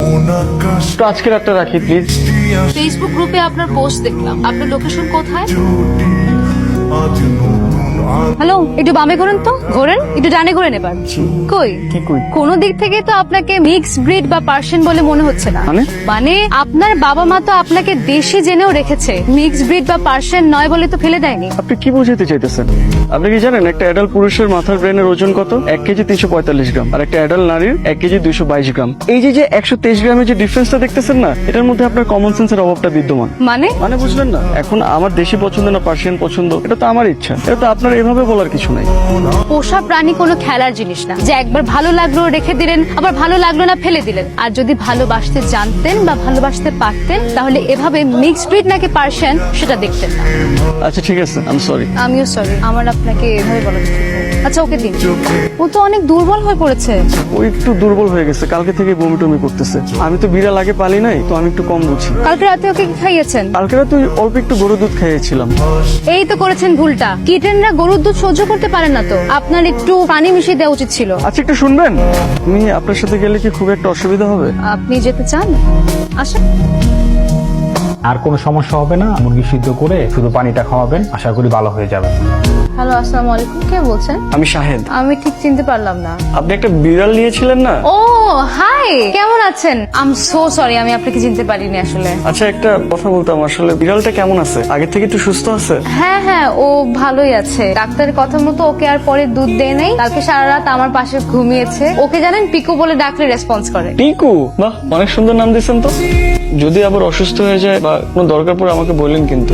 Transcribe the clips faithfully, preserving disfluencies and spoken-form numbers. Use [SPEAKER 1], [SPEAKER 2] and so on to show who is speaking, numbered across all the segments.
[SPEAKER 1] তো আজকে রাতটা রাখি প্লিজ।
[SPEAKER 2] ফেসবুক গ্রুপে আপনার পোস্ট দেখলাম, আপনার লোকেশন কোথায়? হ্যালো, একটু বামে ঘোরেন তো, ঘোরেন একটু ডানে ঘোরেন এবার। কই
[SPEAKER 1] কি কই?
[SPEAKER 2] কোন দিক থেকে তো আপনাকে মিক্স ব্রিড বা পার্সিয়ান বলে মনে হচ্ছে না।
[SPEAKER 1] মানে?
[SPEAKER 2] মানে আপনার বাবা মা তো আপনাকে দেশি জেনেও রেখেছে, মিক্স ব্রিড বা পার্সিয়ান নয় বলে তো ফেলে দেয়নি।
[SPEAKER 1] আপনি কি বোঝাতে চাইতেছেন? আপনি কি জানেন একটা অ্যাডাল্ট পুরুষের মাথার ব্রেনের ওজন কত? এক কেজি তিনশো পঁয়তাল্লিশ গ্রাম, আর একটা অ্যাডাল্ট নারীর এক কেজি দুইশো বাইশ গ্রাম। এই যে যে একশো তেইশ গ্রামের যে ডিফারেন্সটা দেখতেছেন না, এটার মধ্যে আপনার কমন সেন্সের অভাবটা বিদ্যমান।
[SPEAKER 2] মানে
[SPEAKER 1] মানে বুঝলেন না? এখন আমার দেশি পছন্দ না পার্সিয়ান পছন্দ, এটা তো আমার ইচ্ছা, এটা তো আপনার এভাবে বলার কিছু নাই।
[SPEAKER 2] পোষা প্রাণী কোনো খেলার জিনিস না যে একবার ভালো লাগলো রেখে দিলেন, আবার ভালো লাগলো না ফেলে দিলেন। আর যদি ভালোবাসতে জানতেন বা ভালোবাসতে পারতেন, তাহলে এভাবে মিক্সড ব্রিড নাকি পার্সিয়ান সেটা দেখতেন না।
[SPEAKER 1] আচ্ছা ঠিক আছে, আই এম সরি।
[SPEAKER 2] আমিও সরি, আমার আপনাকে এভাবে বলা উচিত হয়নি। আচ্ছা ওকে দিন, ও তো অনেক দুর্বল হয়ে পড়েছে।
[SPEAKER 1] ও একটু দুর্বল হয়ে গেছে, কালকে থেকে বমি টমি করতেছে। আমি তো বিড়াল আগে পালি নাই, তো আমি একটু কম বুঝি।
[SPEAKER 2] কালকে রাতে ওকে কি খাইয়েছেন?
[SPEAKER 1] কালকে রাতে ওই অল্প একটু গরু দুধ খাইয়েছিলাম।
[SPEAKER 2] এই তো করেছেন ভুলটা। কিটেনরা গরুর দুধ সহ্য করতে পারেন না, তো আপনার একটু পানি মিশিয়ে দেওয়া উচিত ছিল।
[SPEAKER 1] আচ্ছা একটু শুনবেন, আমি আপনার সাথে গেলে কি খুব একটা অসুবিধা হবে?
[SPEAKER 2] আপনি যেতে চান? আসেন।
[SPEAKER 3] আর কোনো সমস্যা হবে না, মুরগি সিদ্ধ করে শুধু পানিটা খাওয়াবেন, আশা করি ভালো হয়ে যাবে।
[SPEAKER 2] হ্যালো, আসসালামু আলাইকুম, কে বলছেন?
[SPEAKER 1] আমি শাহেদ।
[SPEAKER 2] আমি ঠিক চিনতে পারলাম না।
[SPEAKER 1] আপনি একটা বিড়াল নিয়েছিলেন না?
[SPEAKER 2] ও হাই, কেমন আছেন? আই এম সো সরি, আমি আপনাকে চিনতে পারিনি আসলে।
[SPEAKER 1] আচ্ছা একটা কথা বলতাম, আসলে বিড়ালটা কেমন আছে? আগে থেকে একটু সুস্থ আছে?
[SPEAKER 2] হ্যাঁ হ্যাঁ, ও ভালোই আছে। ডাক্তারের কথা মতো ওকে আর পরে দুধ দেয় নাই। কালকে সারা রাত আমার পাশে ঘুমিয়েছে। ওকে জানেন পিকু বলে ডাকলে রেসপন্স করে।
[SPEAKER 1] টিকু? বাহ, অনেক সুন্দর নাম দিয়েছেন তো। যদি আবার অসুস্থ হয়ে যায় বা কোনো দরকার পড়ে আমাকে বললেন কিন্তু।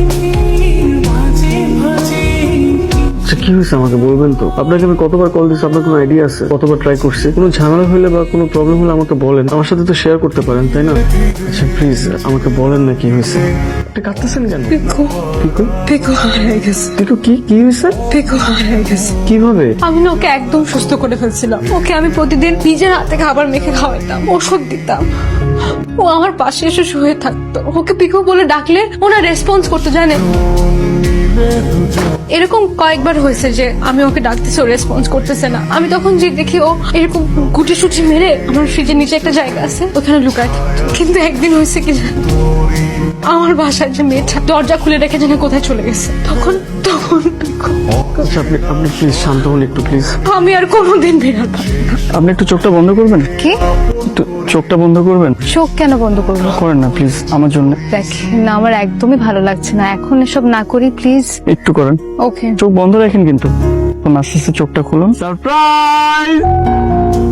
[SPEAKER 1] আচ্ছা কি হয়েছে আমাকে বলবেন তো? আপনাকে আমি কতবার কল দিচ্ছি, আপনার কোনো আইডিয়া আছে? কতবার ট্রাই করছি। কোনো ঝামেলা হলে বা কোনো প্রবলেম হলে আমাকে বলেন, আমার সাথে তো শেয়ার করতে পারেন, তাই না? আচ্ছা প্লিজ আমাকে বলেন না কি হয়েছে। আপনি কাঁদতেছেন কেন?
[SPEAKER 4] পিকু
[SPEAKER 1] টিকু?
[SPEAKER 4] পিকু হারিয়ে গেছে।
[SPEAKER 1] টিকু কি কি হয়েছে?
[SPEAKER 4] পিকু হারিয়ে গেছে।
[SPEAKER 1] কিভাবে?
[SPEAKER 4] আমি না ওকে একদম সুস্থ করে ফেলছিলাম। ওকে আমি প্রতিদিন নিজের হাতে খাবার মেখে খাওয়াতাম, ওষুধ দিতাম। ও আমার পাশে এসে শুয়ে থাকতো। ওকে পিকু বলে ডাকলে ওনা রেসপন্স করতে জানে। এরকম কয়েকবার হয়েছে যে আমি ওকে ডাকতেছি, ও রেসপন্স করতেছে না। আমি তখন যে দেখি ও এরকম গুটি সুটি মেরে আমার ফ্রিজের নিচে একটা জায়গা আছে, ওখানে লুকায় থাকতো। কিন্তু একদিন হয়েছে কি জানো, আমার বাসার যে মেয়েটা দরজা খুলে রেখে যেন কোথায় চলে গেছে। তখন তখন
[SPEAKER 1] আচ্ছা আপনি আপনি প্লিজ শান্ত হন একটু প্লিজ।
[SPEAKER 4] আমি আর কোনোদিন বেরোবো না।
[SPEAKER 1] আপনি একটু চোখটা বন্ধ করবেন?
[SPEAKER 2] কি?
[SPEAKER 1] একটু চোখটা বন্ধ করবেন?
[SPEAKER 2] চোখ কেন বন্ধ করবো?
[SPEAKER 1] করেন না প্লিজ আমার জন্য।
[SPEAKER 2] দেখ না, আমার একদমই ভালো লাগছে না, এখন এসব না করি প্লিজ।
[SPEAKER 1] একটু করেন।
[SPEAKER 2] ওকে।
[SPEAKER 1] চোখ বন্ধ রাখেন কিন্তু। আস্তে আস্তে চোখটা খুলুন। সারপ্রাইজ!